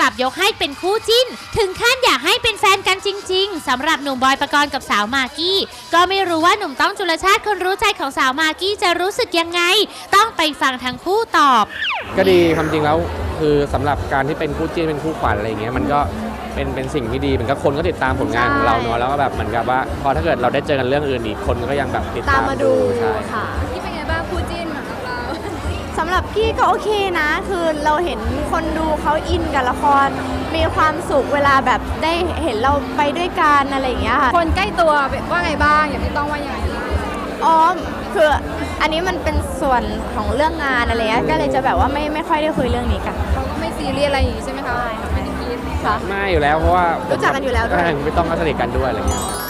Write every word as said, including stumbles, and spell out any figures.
ลับยกให้เป็นคู่จิ้นถึงขั้นอยากให้เป็นแฟนกันจริงๆสำหรับหนุ่มบอยปกรณ์กับสาวมากกี้ก็ไม่รู้ว่าหนุ่มต้องจุลชาติคนรู้ใจของสาวมากกี้จะรู้สึกยังไงต้องไปฟังทั้งคู่ตอบก็ดีความจริงแล้วคือสำหรับการที่เป็นคู่จิ้นเป็นคู่ขวัญอะไรอย่างเงี้ยมันก็เป็นเป็นสิ่งที่ดีเหมือนกับคนก็ติดตามผลงานของเราเนาะแล้วก็แบบเหมือนกับว่าพอถ้าเกิดเราได้เจอกันเรื่องอื่นอีกคนก็ยังแบบติดตามมาดูใช่ค่ะที่เป็นไงบ้างคู่จิ้นของเราสำหรับกี้ก็โอเคนะคือเราเห็นคนดูเขาอินกับละครมีความสุขเวลาแบบได้เห็นเราไปด้วยกันอะไรอย่างเงี้ยค่ะคนใกล้ตัวว่าไงบ้างอย่างที่ต้องว่ายังไงอ๋อคืออันนี้มันเป็นส่วนของเรื่องงานอะไรเงี้ยก็เลยจะแบบว่าไม่ไม่ค่อยได้คุยเรื่องนี้กันเขาก็ไม่ซีเรียสอะไรอย่างงี้ใช่ไหมคะไม่ได้คิดค่ะไม่อยู่แล้วเพราะว่ารู้จักกันอยู่แล้วด้วยไม่ต้องก็สนิทกันด้วยอะไรเงี้ย